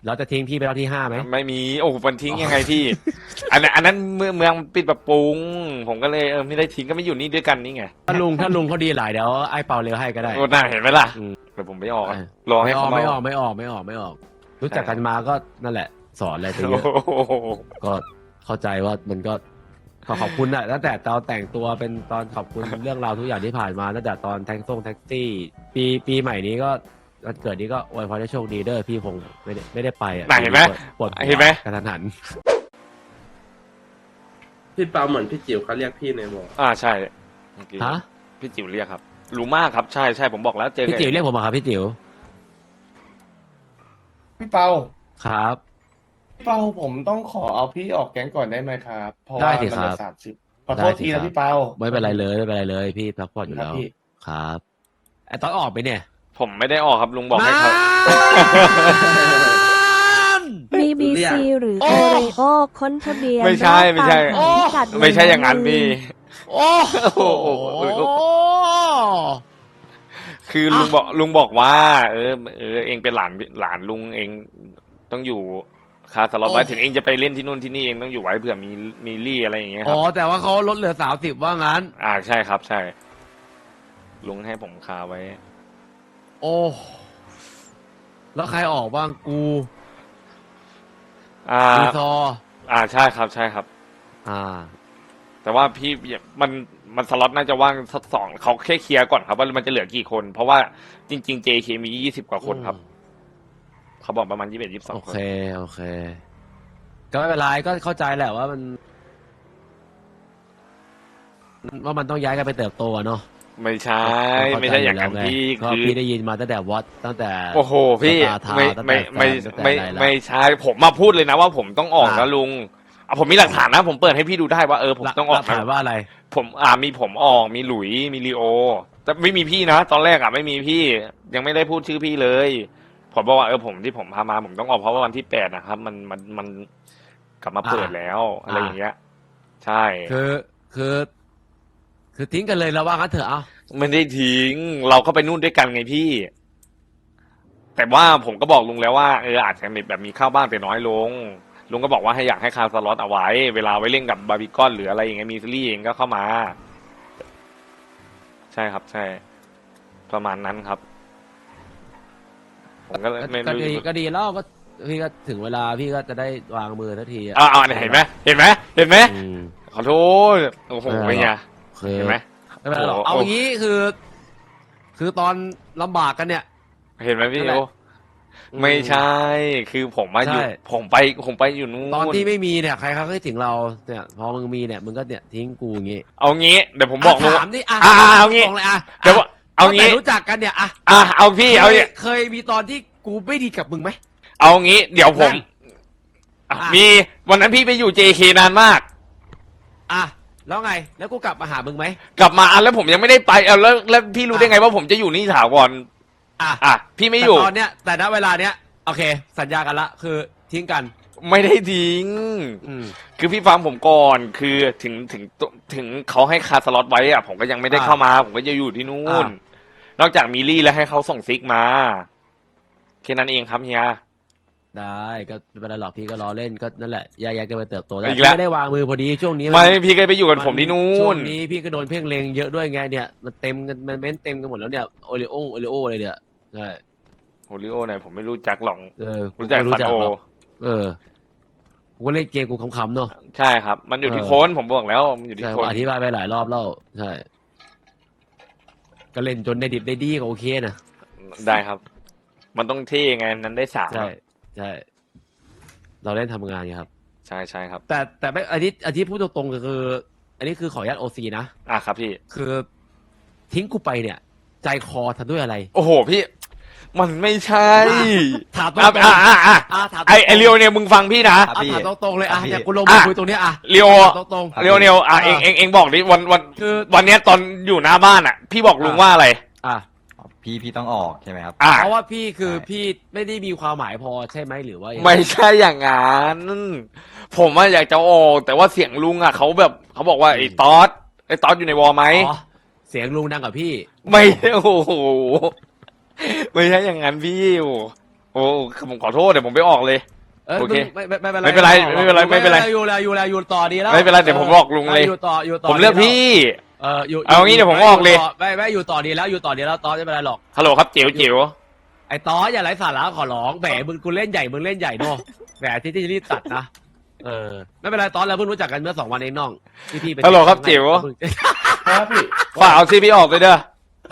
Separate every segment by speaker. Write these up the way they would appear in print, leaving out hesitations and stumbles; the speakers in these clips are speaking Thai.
Speaker 1: เราจะทิ้งพี่ไปรอบที่5ไหม
Speaker 2: ไม่มีโอ้โหมันทิ้งยังไงพี่ อันนั้นเมืองปิดปรับปรุงผมก็เลยไม่ได้ทิ้งก็ไม่อยู่นี่ด้วยกันนี่ไง
Speaker 1: ถ้าลุงเขาดีหลายเดี๋ยวไอ้เปาเร็วให้ก็ได้
Speaker 2: โอ้น่าเห็นไหมล่ะ
Speaker 1: อืม
Speaker 2: เดี๋ยวผมไม่ออกอะ
Speaker 1: เออ
Speaker 2: รอให้เขา
Speaker 1: ไม่
Speaker 2: มา
Speaker 1: ออกไม่ออกไม่ออกไม่ออกรู้จักกันมาก็นั่นแหละสอนอะไรไปเยอะ
Speaker 2: โอ้โห
Speaker 1: ก็เข้าใจว่ามันก็ขอบคุณอะตั้งแต่ตอนแต่งตัวเป็นตอนขอบคุณเรื่องราวทุกอย่างที่ผ่านมาตั้งแต่ตอนแท็กซี่ปีใหม่นี้ก็วันเกิดนี้ก็อวยพรให้โชคดีเด้อพี่คงไม่ได้ไปอะ
Speaker 2: น่ะเห็นไหม
Speaker 1: ปวดหัว
Speaker 2: เห็นไหม
Speaker 1: กระทันหัน
Speaker 3: พี่เปาเหมือนพี่จิ๋วเขาเรียกพี่ในวง
Speaker 2: ใช่เมื่อกี้
Speaker 1: ฮะ
Speaker 2: พี่จิ๋วเรียกครับรู้มากครับใช่ใช่ผมบอกแล้วเจอ
Speaker 1: พี่จิ๋วเรียกผมมาครับพี่จิ๋ว
Speaker 4: พี่เปา
Speaker 1: ครับ
Speaker 4: พี่เปาผมต้องขอเอาพี่ออกแก๊งก่อนได้ไหมครับ เพราะ
Speaker 1: ได้
Speaker 4: ว่า
Speaker 1: สิ
Speaker 4: มัน
Speaker 1: ครั
Speaker 4: จะ
Speaker 1: บ
Speaker 4: 30ขอโทษที
Speaker 1: ได้สิครั
Speaker 4: นะ
Speaker 1: บ
Speaker 4: พี่เปา
Speaker 1: ไม่เป็นไรเลยไม่เป็นไรเลยพี่พักผ่อนอยู่
Speaker 4: ครั
Speaker 1: แล้
Speaker 4: บ
Speaker 1: ว
Speaker 4: พี่
Speaker 1: ครับไอ้ตอนออกไปเนี่ย
Speaker 2: ผมไม่ได้ออกครับลุงบอกให้เขา
Speaker 5: BBC หรือ
Speaker 1: โอ้
Speaker 5: โอเรโอค้นทะเบียน
Speaker 2: ไม่ใช่ไม่ใช่
Speaker 5: รอบตามพิกัด
Speaker 2: ไม่ใช่อย่างนั้นพี่
Speaker 1: โอ้โห
Speaker 2: คือลุงบอกว่า เองเป็นหลานลุงเองต้องอยู่คาสล็อตไว้ถึงเองจะไปเล่นที่นู่นที่นี่เองต้องอยู่ไว้เผื่อมีลี่อะไรอย่างเงี้ยค
Speaker 1: อ๋
Speaker 2: รั
Speaker 1: อบ แต่ว่าเขาลดเหลือ30ว่างั้น
Speaker 2: ใช่ครับใช่ ลุงให้ผมคาไว้
Speaker 1: โอ้แล้วใครออกบ้างกู รีซอร์
Speaker 2: ใช่ครับใช่ครับ แต่ว่าพี่มันสล็อตน่าจะว่างสักสองเขาแค่เคลียร์ก่อนครับว่ามันจะเหลือกี่คน เพราะว่าจริงๆ JK มี20 กว่าคนครับ เขาบอกประมาณ21
Speaker 1: โอ
Speaker 2: 22 คน
Speaker 1: เคโอเค ก็ไม่เป็นไรก็เข้าใจแหละว่ามันต้องย้ายกันไปเติบโตอะเนาะ
Speaker 2: ไม่ใช่ไม่ใช่อย่างนั้นพี่
Speaker 1: ก็
Speaker 2: คือ
Speaker 1: พี่ได้ยินมาตั้งแต่วัดตั้งแต่
Speaker 2: โอ้โหพี่
Speaker 1: สตาร์ทาวน์
Speaker 2: ไม่
Speaker 1: ตั้งแต่
Speaker 2: ไม่ไม่
Speaker 1: แฟนตั้งแต่
Speaker 2: ไม่
Speaker 1: อะไรละ
Speaker 2: ไม่ใช่ผมมาพูดเลยนะว่าผมต้องออกนะลุงผมมีหลักฐานนะ ผมเปิดให้พี่ดูได้ว่าผมต้องออก
Speaker 1: หลักฐานว่าอะไร
Speaker 2: ผมมีผมออกมีหลุยมีลีโอ แต่ไม่มีพี่นะตอนแรกไม่มีพี่ ยังไม่ได้พูดชื่อพี่เลย ผมบอกว่าผมที่ผมพามาผมต้องออกเพราะว่าวันที่8นะครับ มันกลับมาเปิดแล้วอะไรอย่างเงี้ย ใช่
Speaker 1: คือทิ้งกันเลยแล้วว่างั้นเถอะเอา
Speaker 2: ไม่ได้ทิ้งเราก็ไปนู่นด้วยกันไงพี่ แต่ว่าผมก็บอกลุงแล้วว่าอาจจะมีแบบมีข้าวบ้านไปน้อยลงลุงก็บอกว่าให้อยากให้คาสล็อตเอาไว้ เวลาไว้เล่นกับบาร์บีคอนหรืออะไรอย่างเงี้ยมีซีรีส์เองก็เข้ามา ใช่ครับใช่ ประมาณนั้นครับ ผมก็เลยไม่รู้
Speaker 1: ก็ดีแล้วก็พี่ก็ถึงเวลาพี่ก็จะได้วางมือทันทีอะ
Speaker 2: เนี่ยเห็นไหมเห็นไหมเห็นไหม
Speaker 1: อืม
Speaker 2: ขอโทษโอ้โหเป็นไง
Speaker 1: คือ
Speaker 2: เห็นไหม
Speaker 1: ไม่เป็นไรหรอก
Speaker 2: โอ้โห
Speaker 1: เอางี้คือตอนลำบากกันเนี่ย
Speaker 2: เห็นไหมพี่
Speaker 1: นั่นแหละ
Speaker 2: โอไม่ใช่ คือผมมาอยู่
Speaker 1: ใช่
Speaker 2: ผมไปอยู่นู่น
Speaker 1: ตอนที่ไม่มีเนี่ยใครเขาก็คิดถึงเราเนี่ยพอมึงมีเนี่ยมึงก็เนี่ยทิ้งกูอย่างงี้
Speaker 2: เอางี้เดี๋ยวผมบอกลุง
Speaker 1: ถามนี่อ่ะ
Speaker 2: เอางี้
Speaker 1: ตรงเลยอ่ะ
Speaker 2: เดี๋ยวเอางี้
Speaker 1: ตั้งแต่รู้จักกันเนี่ยอ่ะ
Speaker 2: เอาพี่เอาเนี่ย
Speaker 1: เคยมีตอนที่กูไม่ดีกับมึงไหม
Speaker 2: เอางี้ เดี๋ยวผม
Speaker 1: นั่น
Speaker 2: มีวันนั้นพี่ไปอยู่ JK นานมาก
Speaker 1: อ่ะแล้วไงแล้วกูกลับมาหามึงไหม
Speaker 2: กลับมาแล้วผมยังไม่ได้ไปแล้วพี่รู้ได้ไงว่าผมจะอยู่นี่ถาวร
Speaker 1: อ่ะ
Speaker 2: พี่ไม่อยู่
Speaker 1: แต่ตอนเนี้ยแต่ณเวลาเนี้ยโอเค สัญญากันละคือทิ้งกัน
Speaker 2: ไม่ได้ทิ้ง
Speaker 1: อืม
Speaker 2: คือพี่ฟังผมก่อนคือถึงเขาให้คาสล็อตไว้ผมก็ยังไม่ได้เข้ามา ผมก็จะอยู่ที่นู่น นอกจากมีลี่แล้วให้เขาส่งซิกมาแค่นั้นเองครับเฮีย
Speaker 1: ได้ก็ไม่เป็นไรหรอกพี่ก็รอเล่นก็นั่นแหละแยกกันไปเติบโตได้
Speaker 2: อีกแล้ว
Speaker 1: ไม่ได้วางมือพอดีช่วงนี้
Speaker 2: ไม่พี่ก็ไปอยู่กับผมที่นู่
Speaker 1: ช่วน งนี้พี่ก็โดนเพ่งเลงเยอะด้วยไงเนี่ยมันเต็มกันมันเม้นเต็มกันหมดแล้วเนี่ยโอริโอเลยเนี่ยใช่
Speaker 2: โอริโอไหนผมไม่รู้จักหรอก
Speaker 1: กู
Speaker 2: รู้จัก
Speaker 1: ไม่
Speaker 2: ฟันโอ
Speaker 1: หรอกกูก็เล่นเกมกูขำๆเนาะ
Speaker 2: ใช่ครับ มันอยู่ที่โค้นผมบอกแล้วมันอยู่ที่
Speaker 1: ใช่
Speaker 2: โค้น
Speaker 1: อธิบายไปหลายรอบแล้วใช่ก็เล่นจนได้ดิบได้ดีก็โอเคนะ
Speaker 2: ได้ครับ มันต้องเท่ไงนั้นได้3
Speaker 1: ใช่เราเล่นทำงานไงครับ
Speaker 2: ใช่ใช่ครับ
Speaker 1: แต่ไม่อันนี้พูดตรงๆก็คือ อันนี้คือขออนุญาตโอซีนะ
Speaker 2: ครับพี่
Speaker 1: คือทิ้งกูไปเนี่ย ใจคอทำด้วยอะไร
Speaker 2: โอ้โหพี่ มันไม่ใช่
Speaker 1: ถามตรง
Speaker 2: อ่ะ
Speaker 1: ๆ
Speaker 2: อ่ะอ่ะอ่ะ
Speaker 1: ถาม
Speaker 2: ไอเรียวเนี่ยมึงฟังพี่นะ
Speaker 1: ถามตรงๆเลยอ่ะ
Speaker 4: ครับพี่
Speaker 1: เนี่ยกูลงมาคุยตรงเนี้ยอ่ะ
Speaker 2: เรียว
Speaker 1: ถามตรง
Speaker 2: เรียวเนียวเองบอกดิวัน
Speaker 1: คือ
Speaker 2: วันเนี้ยตอนอยู่หน้าบ้านพี่บอกลุงว่าอะไร
Speaker 1: อ่ะ
Speaker 6: พี่ต้องออกใช่ไหมครับ
Speaker 1: เพราะว่าพี่คือพี่ไม่ได้มีความหมายพอใช่ไหมหรือว่ายังง
Speaker 2: ไม่ใช่อย่างนั้นผมว่าอยากจะออกแต่ว่าเสียงลุงเขาแบบเขาบอกว่าไอ้ตอสอยู่ในวอลไหม
Speaker 1: อ๋อเสียงลุงดังกับพี่
Speaker 2: ไม่โอ้โหไม่ใช่อย่างนั้นพี่โอ้โอ้ผมขอโทษเดี๋ยวผมไปออกเลย โอเค
Speaker 1: ไม่เป็นไร
Speaker 2: ไม่เป็นไรไม่เป็นไรไม่เป็นไร
Speaker 1: อยู่ต่อดีแล้ว
Speaker 2: ไม่เป็นไรเดี๋ยวผมบอกลุงเลย
Speaker 1: อยู่ต่อ
Speaker 2: ผมเลือกพี่
Speaker 1: อยู่
Speaker 2: เอางี้เดี๋ยวผมออกเลย
Speaker 1: ไม่อยู่ต่อดีแล้วอยู่ต่อดีแล้วตอนไม่เป็นไรหรอก
Speaker 2: ฮัลโหลครับจิ๋วจิ๋ว
Speaker 1: ไอ้ตออย่าไร้สาระขอร้องแหมมึงกูเล่นใหญ่มึงเล่นใหญ่เนาะแหมที่รีบตัดนะไม่เป็นไรตอนเราเพิ่งรู้จักกันเมื่อ2 วันเองน้องพี่ไป
Speaker 2: ฮัลโหลครับจิ๋ว
Speaker 3: ครับพี่
Speaker 2: ฝากเอาชื่อพี่ออกเลยเด้อ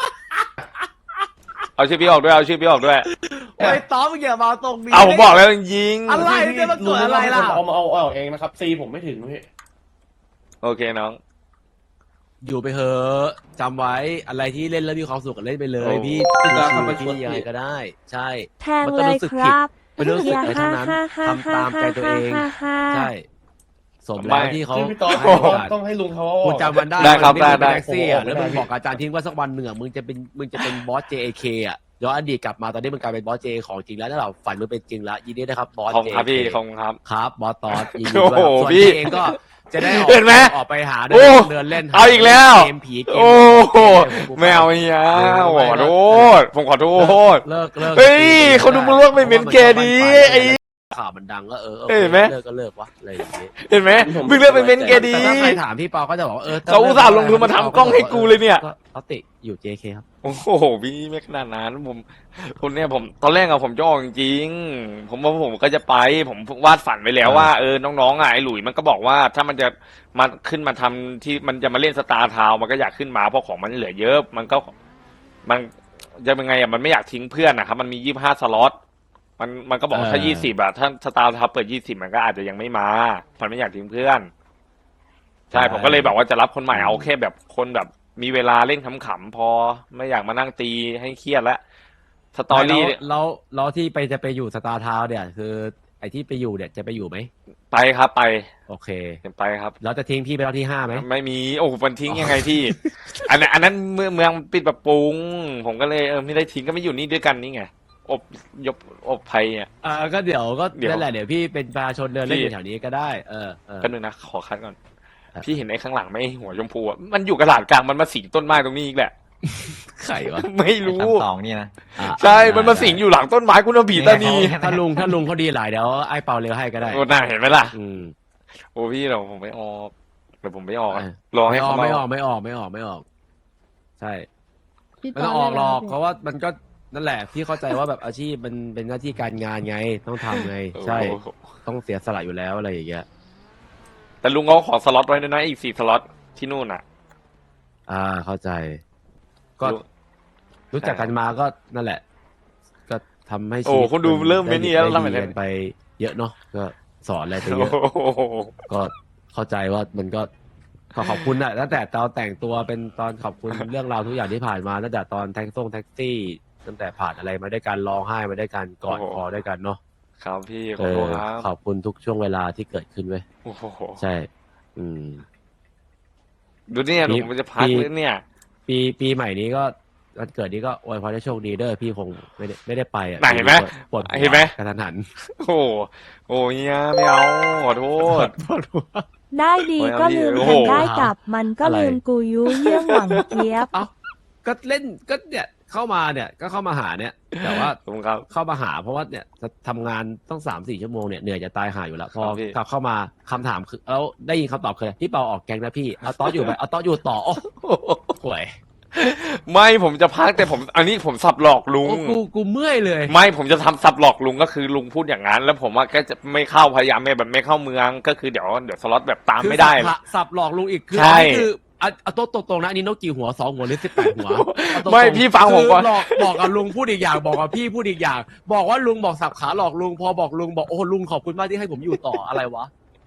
Speaker 2: เอาชื่อพี่ออกด้วยเอาชื่อพี่ออกด้วย
Speaker 1: โอ้ยตอมึงอย่ามาตรงนี้
Speaker 2: เอาผมบอกแล้วยิง
Speaker 1: อะไรเนี่ยมันเกิดอะไรล่ะ
Speaker 3: เอาเองนะครับซีผมไม่ถึงพี่
Speaker 2: โอเคน้อง
Speaker 1: อยู่ไปเถอะจำไว้อะไรที่เล่นแล้วมีความสุขก็เล่นไปเลย
Speaker 2: โอ้
Speaker 1: พี่
Speaker 3: พี่ตาเข้าไปช
Speaker 1: พี่
Speaker 3: วน
Speaker 1: ยังไง
Speaker 3: พี่
Speaker 1: ก็ได้ ใช่
Speaker 5: แทงเลยครับ
Speaker 1: มันก็รู้สึกผิด ไม่รู้สึกอะไรทั้งนั้นทำตามใจตัวเองใช่สมแล้วที่เขา
Speaker 3: ที่พี่ตอน
Speaker 1: ให้โอกาส
Speaker 3: ต้องให้ลุงเขา
Speaker 1: คุณจำมันได้
Speaker 2: ได้ครับ
Speaker 1: วันที่มึง
Speaker 2: ได้
Speaker 1: เป็นแท็กซี่อ่ะ
Speaker 3: ได้
Speaker 1: แล้วมึงบอกอาจารย์ทิ้งว่าสักวันหนึ่งอ่ะมึงจะเป็นบอส JAK อ่ะย้อนอดีตกลับมาตอนนี้มึงกลายเป็นบอส JA ของจริงแล้วถ้าเราฝันมึงเป็นจริงแล้วยินดีนะครับบอส
Speaker 2: ขอบคุณครับ
Speaker 1: JAK
Speaker 2: พี่ขอบคุณครับ
Speaker 1: ครับบอสตอสยินดี
Speaker 2: โอ้
Speaker 1: ด้วย
Speaker 2: โห
Speaker 1: ส่วน
Speaker 2: พี่
Speaker 1: พี่เองก็จะได้ออก
Speaker 2: เห็นไหม
Speaker 1: ออกไปหา
Speaker 2: โอ้
Speaker 1: เดินเล่น
Speaker 2: เอาอีกแล้ว
Speaker 1: เกมผีเกม
Speaker 2: โอ้โห
Speaker 1: เก
Speaker 2: ไม่เอาเฮียขอโทษผมขอโทษ
Speaker 1: เลิก
Speaker 2: เฮ้ยเขาดูมึงเลิกไม่เป็นแกดีไอ้
Speaker 1: ข่าวมันดังก็
Speaker 2: เห็นไหม
Speaker 1: เลิกก็เลิกวะอะไรอย่างงี้
Speaker 2: เห็นไหมมึงเลือกเป็นเบนซ์แกดี
Speaker 1: แต่ถ้าใครถามพี่เปาก็จะบอกว่าถ้
Speaker 2: เขาอุตส่าห์ลงทุนมาทำกล้องให้กูเลยเนี่ย
Speaker 1: ก็เขาติอยู่ JK ครับ
Speaker 2: โอ้โหพี่ไม่ขนาดนั้นผมเนี่ยผมตอนแรกอะผมจะออกจริงๆผมว่าผมก็จะไปผมวาดฝันไว้แล้วว่าน้องๆอะไอ้หลุยมันก็บอกว่าถ้ามันจะมาขึ้นมาทำที่มันจะมาเล่นสตาร์ทาวน์มันก็อยากขึ้นมาเพราะของมันเหลือเยอะ มันจะเป็นไงอะมันไม่อยากทิ้งเพื่อนนะครับมันมี25 สล็อตมันก็บอกว่าถ้า20อะถ้าสตาร์ทาวน์เปิด20มันก็อาจจะยังไม่มามันไม่อยากทิ้งเพื่อน ใช่ผมก็เลยบอกว่าจะรับคนใหม่เอาแค่แบบคนแบบมีเวลาเล่นขำๆพอไม่อยากมานั่งตีให้เครียดแล้วสตอรี่เนี่ย
Speaker 1: แล้วที่จะไปอยู่สตาร์ทาวน์เนี่ยคือไอ้ที่ไปอยู่เนี่ยจะไปอยู่ไหม
Speaker 2: ไปครับไป
Speaker 1: โอเค
Speaker 2: ไปครับ
Speaker 1: แล้วจะทิ้งพี่ไปรอบที่5ไหม
Speaker 2: ไม่มีโอ้โหมันทิ้งยังไงพี่ อันนั้นเมืองปิดปรับปรุง ผมก็เลยไม่ได้ทิ้งก็ไม่อยู่นี่ด้วยกันนี่ไงอบภัยเนี่ย
Speaker 1: ก็เดี๋ยวก็
Speaker 2: เดี๋ยว
Speaker 1: นั่นแหละเดี๋ยวพี่เป็นประชาชนเดินเล่นอยู่แถวนี้ก็ได้
Speaker 2: ก็นึงนะขอคัดก่อน
Speaker 1: ครับ
Speaker 2: พี่เห็นไอ้ข้างหลังไหมหัวชมพูอะมันอยู่กระดาษกลางมันมาสิงต้นไม้ตรงนี้อีกแหละ
Speaker 1: ไข่วะ
Speaker 2: ไม่รู้
Speaker 6: สองนี่นะ
Speaker 2: ใช่มันมาสิงอยู่หลังต้นไม้คุณผีตานี
Speaker 1: ถ้าลุงเขาดีหลายเดี๋ยวไอ้เปาเร็วให้ก็ได้
Speaker 2: โอ้น่าเห็นไหมล่ะ
Speaker 1: อืม
Speaker 2: โอ้พี่เราผมไม่ออกเดี๋ยวผมไม่ออกอะ
Speaker 1: เออ
Speaker 2: รอให้
Speaker 1: ไม่ออก
Speaker 2: เขา
Speaker 1: ไม่อ
Speaker 2: มา
Speaker 1: อกไม่ออกไม่ออกไม่ออก ใช่ไม่ต้องออกหรอกเพราะว่ามันก็นั่นแหละพี่เข้าใจว่าแบบอาชีพมันเป็นหน้าที่การงานไงต้องทำไง ใช่
Speaker 2: โอ้โห
Speaker 1: ต้องเสียสละอยู่แล้วอะไรอย่างเงี้ย
Speaker 2: แต่ลุงเขาขอสล็อตไว้ด้วยนะอีก4 สล็อตที่นู่นอ่ะ
Speaker 1: เข้าใจ ก็
Speaker 2: ลุง
Speaker 1: รู้จักกันมาก็นั่นแหละ ก็ทำให้ชี
Speaker 2: โอ้
Speaker 1: วิต
Speaker 2: คุณดูเริ่มเป็นนี่แล้ว
Speaker 1: ได้
Speaker 2: ทำไม
Speaker 1: ดี
Speaker 2: เนี่ย
Speaker 1: กันไปเยอะเนาะก็สอนอะไรไปเย
Speaker 2: โอ้
Speaker 1: อะ
Speaker 2: โห
Speaker 1: ก็เข้าใจว่ามันก็ขอบคุณอะตั้งแต่ตอนแต่งตัวเป็นตอนขอบคุณเรื่องราวทุกอย่างที่ผ่านมาตั้งแต่ตอนแท็กซี่ตั้งแต่ผ่านอะไรมาด้วยกันร้องไห้มาด้วยกันกอดคอด้วยกันเนาะ
Speaker 2: ครับพี่ขอโทษครับ
Speaker 1: ขอบคุณทุกช่วงเวลาที่เกิดขึ้นเว้ย
Speaker 2: โอ้โห
Speaker 1: ใช่ อืม
Speaker 2: ดูเนี่ย
Speaker 1: พี่
Speaker 2: ลุงมันจะพักเลยเนี่ย
Speaker 1: ปีใหม่นี้ก็วันเกิดนี้ก็อวยพรให้โชคดีเด้อพี่คงไม่ได้ไปอ่ะ
Speaker 2: ไหนเห็นไหม
Speaker 1: ปวด
Speaker 2: เห็นไหม
Speaker 1: กระทันหัน
Speaker 2: โอ้โหโอ้ยเนี่ยไม่เอาขอโทษ
Speaker 5: ได้ดี
Speaker 2: โอ้ย
Speaker 5: ก็ลืม
Speaker 2: โอ้โห
Speaker 5: แทนได้กลับมันก็
Speaker 1: อะไร
Speaker 5: ลืมกูยุเยี่ยงหวังเจี๊ยบ
Speaker 1: เอ้าก็เล่นก็เนี่ยเข้ามาเนี่ยก็เข้ามาหาเนี่ย แต่ว่า
Speaker 2: ขอบคุณครับ
Speaker 1: เข้ามาหาเพราะว่าเนี่ยทำงานต้อง3-4 ชั่วโมงเนี่ยเหนื่อยจะตายหาอยู่แล้วพอ
Speaker 2: ครับพี่
Speaker 1: กลับเข้ามาคำถามคือแล้วได้ยินคำตอบคือพี่เปาออกแกงนะพี่เอาต๊อดอยู่ไหมเอาต๊อดอยู่ต่อโอ้ห่วย
Speaker 2: ไม่ผมจะพักแต่ผมอันนี้ผมสับหลอกลุง
Speaker 1: โอ้กูเมื่อยเลย
Speaker 2: ไม่ผมจะทำสับหลอกลุงก็คือลุงพูดอย่างนั้น แล้วผมว่าก็จะไม่เข้าพยายามไม่เข้าเมืองก็คือเดี๋ยวสล็อตแบบตามไม่ได้
Speaker 1: คือสับหลอกลุงอีกคือ
Speaker 2: ใช่
Speaker 1: อันนี้คือเอาโต๊ะตรงๆนะอันนี้นกกี่หัว2 หัวหรือ18 หัวเอาตรงๆ
Speaker 2: ไม่พี่ฟังผมก่อน
Speaker 1: คือหลอกบอกกับลุงพูดอีกอย่างบอกกับพี่พูดอีกอย่าง บอกว่าลุงบอกสับขาหลอกลุงพอบอกลุงบอกโอ้ลุงขอบคุณมากที่ให้ผมอยู่ต่ออะไรวะ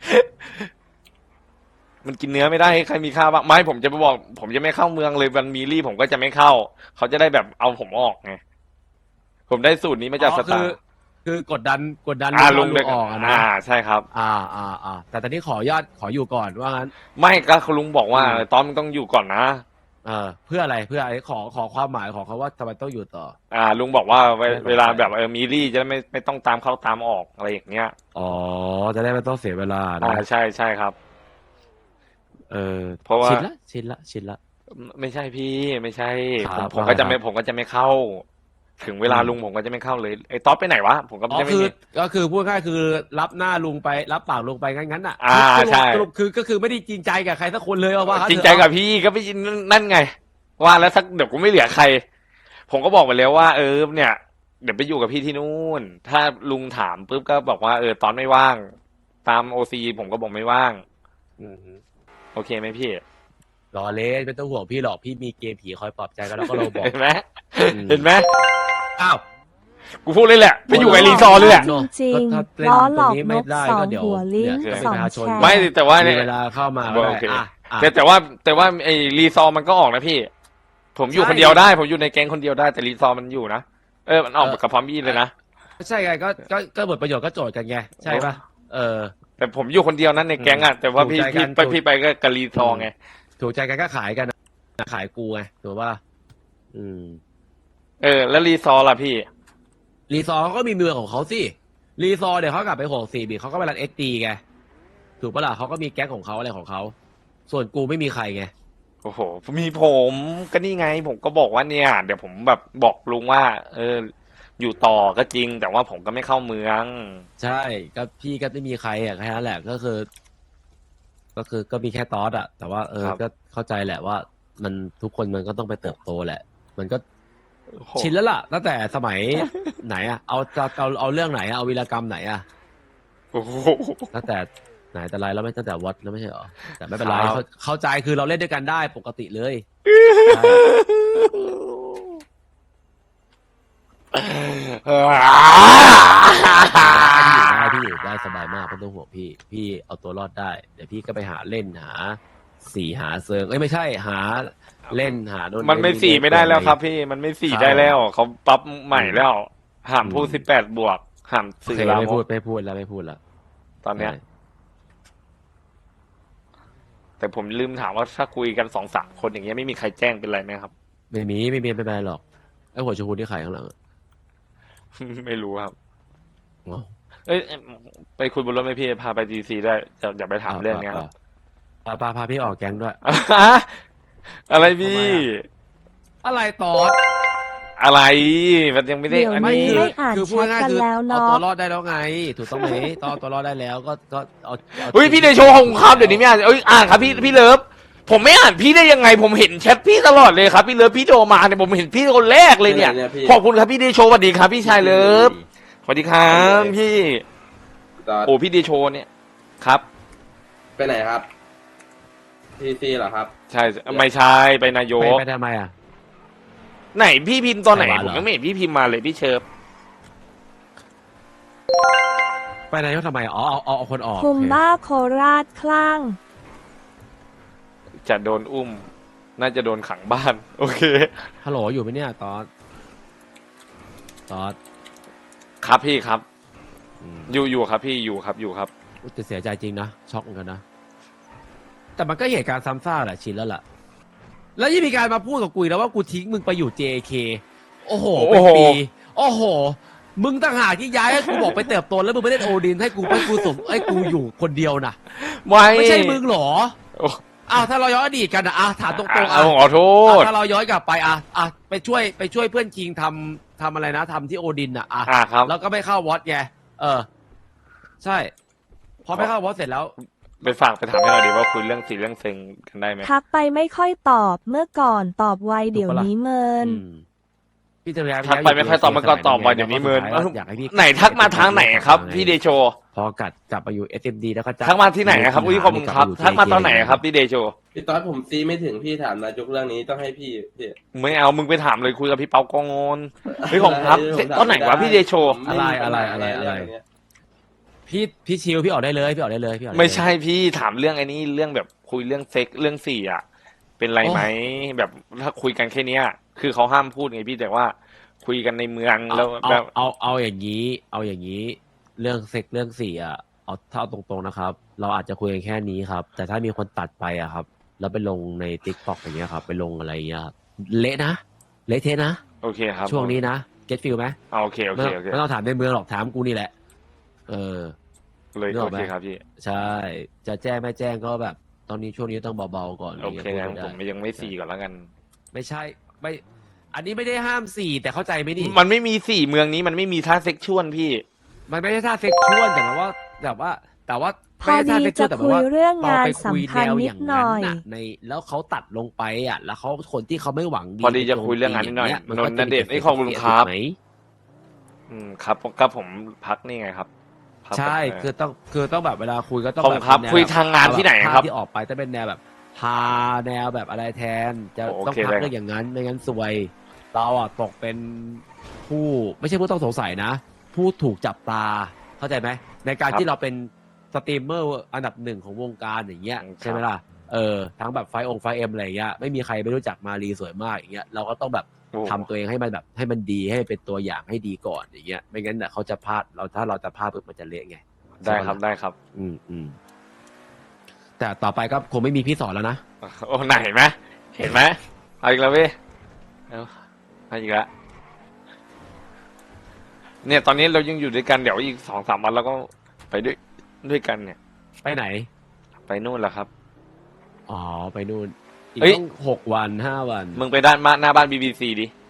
Speaker 2: มันกินเนื้อไม่ได้ให้ใครมีค่าบ้างไม่ผมจะไปบอก ผมจะไม่เข้าเมืองเลยวันมีรี่ผมก็จะไม่เข้า เขาจะได้แบบเอาผมออกไงผมได้สูตรนี้มาจากสตาร์
Speaker 1: คือกดดัน
Speaker 2: ลุ
Speaker 1: ลุ
Speaker 2: ง
Speaker 1: ง
Speaker 2: เด็ก
Speaker 1: ออกอะนะ
Speaker 2: ใช่ครับ
Speaker 1: แต่ตอนนี้ขออนุญาตขออยู่ก่อนว่างั้น
Speaker 2: ไม่ก็ลุงบอกว่า
Speaker 1: อืม
Speaker 2: ตอนมันต้องอยู่ก่อนนะ
Speaker 1: เพื่ออะไรขอความหมายของเขาว่าทำไมต้องอยู่ต่อ
Speaker 2: ลุงบอกว่า
Speaker 1: ไม่ต้อง
Speaker 2: เวลาแบบมีรี่จะไม่ต้องตามเข้าตามออกอะไรอย่างเงี้ย
Speaker 1: อ๋อจะได้ไม่ต้องเสียเวลานะ
Speaker 2: ใช่ครับ เพราะว่า
Speaker 1: ชินละ
Speaker 2: ไม่ใช่พี่ไม่ใช่
Speaker 1: ครับ
Speaker 2: ผมก็จะไม่เข้าถึงเวลาลุงผมก็จะไม่เข้าเลยไอ้ต๊อดไปไหนวะผมก็
Speaker 1: อ๋อ
Speaker 2: จะไม่
Speaker 1: คือ
Speaker 2: มี
Speaker 1: ก็คือพูดง่ายๆคือรับหน้าลุงไปรับปากลุงไปงั้นๆน่ะ
Speaker 2: ใช่
Speaker 1: สรุปคือก็คือไม่ได้จริงใจกับใครสักคนเลยว่างั้น
Speaker 2: จริงใจกับพี่ก็ไม่นั่นไง ว่าแล้วสักเดี๋ยวกูไม่เหลือใคร ผมก็บอกไปแล้วว่า เนี่ย เดี๋ยวไปอยู่กับพี่ที่นู่น ถ้าลุงถามปุ๊บก็บอกว่าตอนไม่ว่าง ตามโอซีผมก็บอกไม่ว่าง
Speaker 1: อืม
Speaker 2: โอเคไหมพี่
Speaker 1: รอเล่นไม่ต้องห่วงพี่หรอกพี่มีเกมผีคอยปลอบใจกันแล้วก็เราบอก
Speaker 2: เห็นไหม
Speaker 1: อืม
Speaker 2: เห็นไหม
Speaker 1: อ้าว
Speaker 2: กูพูดเลยแหละไปอยู่กับรีซอร์เลยแหละ
Speaker 5: จริง
Speaker 1: ก็ถ้า
Speaker 5: ๆ
Speaker 1: เล่น
Speaker 5: ล้อหล
Speaker 1: ตร
Speaker 5: อง ก
Speaker 1: นี้
Speaker 5: น
Speaker 1: ไม่
Speaker 5: ก
Speaker 1: ได้
Speaker 5: สอ
Speaker 1: ก็
Speaker 5: ง
Speaker 1: เดี๋ยว
Speaker 5: หัวลิง
Speaker 1: เดี๋ยว
Speaker 5: สอง
Speaker 1: ประชาชน
Speaker 5: แฉก
Speaker 2: ไม่แต่ว่า
Speaker 1: มี
Speaker 2: เนี่ย
Speaker 1: เวลาเข้ามาก็
Speaker 2: โอ
Speaker 1: ได้
Speaker 2: เค
Speaker 1: อ่ะ
Speaker 2: แต่ว่าไอ้รีซอร์มันก็ออกนะพี่ ผมอยู่
Speaker 1: ใช่
Speaker 2: คนเดียวได้ ผมอยู่ในแก๊งคนเดียวได้แต่รีซอร์มันอยู่นะมันออกกับพร้อมบี้เลยนะ
Speaker 1: ใช่ไงก็บทประโยชน์ก็โจทย์กันไงใช่ปะเออ
Speaker 2: แต่ผมอยู่คนเดียวนั้นในแก๊งอ่ะแต่ว่าพี่
Speaker 1: ถูกใจกัน
Speaker 2: พี่ไปก็กับรีซอร์ไง
Speaker 1: ถูกใจกันก็ขายกันนะขายกูไงถูกปะอืม
Speaker 2: แล้วรีซอร์ล่ะพี่
Speaker 1: รีซอร์เขาก็มีเมืองของเขาสิรีซอร์เดี๋ยวเขากลับไป64บีเขาก็ไปรันเอสตีไงถูกปะล่ะเขาก็มีแก๊งของเขาอะไรของเขาส่วนกูไม่มีใครไง
Speaker 2: โอ้โหมีผมก็นี่ไง ผมก็บอกว่าเนี่ย เดี๋ยวผมแบบบอกลุงว่า อยู่ต่อก็จริง แต่ว่าผมก็ไม่เข้าเมือง
Speaker 1: ใช่ก็พี่ก็ไม่มีใครอ่ะแค่นั้นแหละก็คือก็มีแค่ตอสอ่ะแต่ว่า
Speaker 2: ครับ
Speaker 1: ก็เข้าใจแหละว่า มันทุกคนมันก็ต้องไปเติบโตแหละ มันก็
Speaker 2: โอ้โห
Speaker 1: ชินแล้วล่ะตั้งแต่สมัย ไหนอ่ะเอาเรื่องไหนอ่ะเอาวีรกรรมไหนอ่ะ
Speaker 2: โอ้โห
Speaker 1: ตั้งแต่ไหนแต่ไรแล้วไม่ตั้งแต่วัดแล้วไม่ใช่เหรอแต่ไม่เป็นไร
Speaker 2: ครับ
Speaker 1: เข้าใจคือเราเล่นด้วยกันได้ปกติเลยใช่ พี่อยู่ได้สบายมากไม่ต้องห่วงพี่เอาตัวรอดได้เดี๋ยวพี่ก็ไปหาเล่นหาสี่หาเซิงไม่ใช่หาเล่นหาโดน
Speaker 2: มันไม่สี่ไม่ได้แล้วครับพี่ มันไม่สี่ได้แล้วเขาปรับใหม่แล้วห้ามพูด18 บวกห้าม
Speaker 1: โอ
Speaker 2: สื่อ
Speaker 1: เค
Speaker 2: ลาม
Speaker 1: ไม่
Speaker 2: ก
Speaker 1: พูดแล้ว
Speaker 2: ตอนเนี้ย แต่ผมลืมถามว่าถ้าคุยกัน2-3 คนอย่างเงี้ยไม่มีใครแจ้งเป็นไรไหมครับ
Speaker 1: ไม่มีไม่เป็นไรหรอกไอ้หัวชมพูที่ขายข้างหลังอะ
Speaker 2: ไม่รู้ครับ
Speaker 1: อ๋อ
Speaker 2: ไปคุยบนรถไหมพี่พาไปดีซีได้อย่าไปถามเรื่องเนี้ยครับ
Speaker 1: พาพี่ออกแก๊งด้วย
Speaker 2: อะไรพี่
Speaker 1: อะไรต่อ
Speaker 2: อะไรมันยังไม่ได้
Speaker 5: เดี๋ยว
Speaker 2: อัน
Speaker 1: ไม่
Speaker 5: นี้
Speaker 2: นี้
Speaker 1: คือ
Speaker 5: ไม่อ่าน
Speaker 1: คือพูดง่ายๆคือ
Speaker 5: แชทกันแล้ว
Speaker 1: เอา
Speaker 5: เนาะ
Speaker 1: ตัวรอดได้แล้วไง ถูกต้องไหมตอนเอาตัวรอดได้แล้วก็เอา
Speaker 2: เฮ้ยพี่เดโชของครับเดี๋ยวนี้ไม่อ่านอ่านครับพี่เลิฟผมไม่อ่านพี่ได้ยังไง ผมเห็นแชทพี่ตลอดเลยครับพี่เลิฟพี่โทรมาเนี่ยผมเห็นพี่คนแรกเลยเนี่ย
Speaker 3: เนี่ยพี่
Speaker 2: ขอบคุณครับพี่เดโชสวัสดีครับพี่ชายเลิฟสวัสดีครับพี่
Speaker 3: ตอน
Speaker 2: โอ้พี่เดโชเนี่ยครับ
Speaker 3: ไปไหนครับทีซีเหรอครับ
Speaker 2: ใช่ไม่ใช่ไปนายก
Speaker 1: ไปทำไมอ่ะ
Speaker 2: ไหนพี่พิมพ์ตอนไหน
Speaker 1: ไปวะ
Speaker 2: ผม
Speaker 1: เหรอ
Speaker 2: ยังไม่เห็นพี่พิมพ์มาเลยพี่เชิญ
Speaker 1: ไปนายกทำไมอ๋อเอาคนออก
Speaker 5: คุม
Speaker 1: โอเค
Speaker 5: บ้าโคราชคลั่ง
Speaker 2: จะโดนอุ้ม น่าจะโดนขังบ้าน โอเค
Speaker 1: ฮัลโหลอยู่ไหมเนี่ยตอส
Speaker 2: ครับพี่ครับ
Speaker 1: อืม
Speaker 2: อยู่ครับพี่อยู่ครับ
Speaker 1: แต่เสียใจจริงนะช็อกเหมือนกันนะแต่มันก็เหตุการณ์ซ้ำซากแหละชินแล้วล่ะ แล้วยังมีการมาพูดกับกูอีกแล้วว่ากูทิ้งมึงไปอยู่ JK โอ้โหเป็นปีโอ้โห มึงต่างหากที่ย้ายให้กูบอกไปเติบโตแล้วมึงไปเล่นโอดินให้กูส่งให้กูอยู่คนเดียวนะ ไม่ใช่มึงเหรอ
Speaker 2: โอ้
Speaker 1: อ้าวถ้าเราย้อนอดีตกันนะถามตรงๆ
Speaker 2: เอาขอโทษ
Speaker 1: ถ้าเราย้อนกลับไปไปช่วยเพื่อนคิงทำอะไรนะทำที่โอดิน
Speaker 2: ครับ
Speaker 1: แล้วก็ไม่เข้าวอตไงใช่พอไม่เข้าวอตเสร็จแล้ว
Speaker 2: ไปฝากไปถามให้เราดีว่าคุยเรื่องสีเรื่องเซ็งกันได้ไหม
Speaker 5: ทักไปไม่ค่อยตอบเมื่อก่อนตอบไวเดี๋ยวนี้เมิน
Speaker 1: พี่จะย้าย
Speaker 2: ทักไปไม่ค่อยตอบมันก็ตอบไวเดี๋ยวนี้เมิน
Speaker 1: อยากให้พี่
Speaker 2: ไหนทักมาทางไหนครับ พี่เดโช
Speaker 1: พอกลับมาอยู่ SMD แล้วก็จะ
Speaker 2: ทักมาที่ไหนครับอุ้ยขอบคุณครับทักมาตอนไหนครับพี่เดโช
Speaker 3: พี่ตอนผมซีไม่ถึงพี่ถามนายกเรื่องนี้ต้องให้พี่
Speaker 2: ไม่เอามึงไปถามเลยคุยกับพี่เปากองนเฮ้ยของครับเสร็จตอนไหนวะพี่เดโช
Speaker 1: อะไรพี่ชิวพี่ออกได้เลยพี่ออกได้เลย
Speaker 2: ไม่ใช่พี่ถามเรื่องไอ้นี้เรื่องแบบคุยเรื่องเซ็กเรื่องสี่อ่ะ เป็นไรไหมแบบถ้าคุยกันแค่เนี้ย คือเขาห้ามพูดไงพี่แต่ว่า คุยกันในเมืองแล้วแบบ
Speaker 1: เอาอย่างนี้เรื่องเซ็กเรื่องสี่เอาเท่าตรงๆนะครับ เราอาจจะคุยกันแค่นี้ครับ แต่ถ้ามีคนตัดไปครับแล้วไปลงใน TikTok อย่างเงี้ยครับไปลงอะไรอย่างเงี้ยครับเละนะเละเทะนะ
Speaker 2: โอเคครับ
Speaker 1: ช่วงนี้นะเก็ตฟิลไหม
Speaker 2: โอเคโอเคโอเค
Speaker 1: ไม่ต้องถามในเมืองหรอกถามกูนี่แหละ
Speaker 2: เลย
Speaker 1: นึกอ
Speaker 2: โอ
Speaker 1: อกไหม
Speaker 2: เคครับพี่
Speaker 1: ใช่จะแจ้งไม่แจ้งก็แบบ ตอนนี้ช่วงนี้ต้องเบาๆก่อน
Speaker 2: โอเคงั้น
Speaker 1: ได้
Speaker 2: ผมยังไม่สี่ก่อนแล้วกัน
Speaker 1: ไม่ใช่ไม่อันนี้ไม่ได้ห้ามสี่แต่เข้าใจไหมนี่
Speaker 2: มันไม่มีสี่เมืองนี้มันไม่มีท่าเซ็กชวลพี่
Speaker 1: มันไม่ใช่ท่าเซ็กชวลแต่ว่าแต่ว่า
Speaker 5: พอดีจะคุยเรื่องงานสัมพันธ์นิดหน่อย
Speaker 1: ในแล้วเขาตัดลงไปอ่ะ แล้วเขาคนที่เขาไม่หวังดี
Speaker 2: พอดีจะคุยเรื่องงานนิดหน่อย
Speaker 1: มันก็
Speaker 2: นนท์ณเดชน์
Speaker 1: จะมี
Speaker 2: ขอบคุณครับ
Speaker 1: ไหม
Speaker 2: ครับก็ผมพักนี่ไงครับพัก
Speaker 1: ใช่
Speaker 2: แบบ
Speaker 1: คือต้องแบบเวลาคุยก็ต้อง
Speaker 2: ผม
Speaker 1: แบบ
Speaker 2: ครับ
Speaker 1: เป็นแนว
Speaker 2: คุยทางงานที่ไหนครับ
Speaker 1: ภาพที่ออกไปจะเป็นแนวแบบพาแนวแบบอะไรแทน จะ
Speaker 2: โอ
Speaker 1: ต้อง
Speaker 2: เค
Speaker 1: พัก
Speaker 2: ได้
Speaker 1: เรื่องอย่างนั้นไม่งั้นซวย เราอ่ะตกเป็นผู้ไม่ใช่ผู้ต้องสงสัยนะ ผู้ถูกจับตาเข้าใจไหมในการที่เราเป็นสตรีมเมอร์อันดับหนึ่งของวงการอย่างเงี้ยใช่ไหมล่ะทั้งแบบไฟเอ็มอะไรอย่างเงี้ยไม่มีใครไม่รู้จักมารีสวยมากอย่างเงี้ยเราก็ต้องแบบ
Speaker 2: โอ้
Speaker 1: ทำตัวเองให้มันแบบให้มันดีให้เป็นตัวอย่างให้ดีก่อนอย่างเงี้ยไม่งั้นเนี่ยเขาจะพลาดถ้าเราจะพลาดปุ๊บมันจะเละไง
Speaker 2: ได้ครับได้ครับ
Speaker 1: แต่ต่อไปก็คงไม่มีพี่สอนแล้วนะ
Speaker 2: โอ้ไหนเห็นไหมเห็นไหมเอาอีกแล้วเว้ยเอาอีกแล้วเนี่ยตอนนี้เรายังอยู่ด้วยกันเดี๋ยวอีก2-3 วันเราก็ไปด้วยกันเนี่ย
Speaker 1: ไปไหน
Speaker 2: ไปนู่นแหละครับ
Speaker 1: อ๋อไปนู่นอีก
Speaker 2: เฮ้ย
Speaker 1: ต้อง6 วัน 5 วัน
Speaker 2: มึงไปหน้าบ้าน BBC ดิ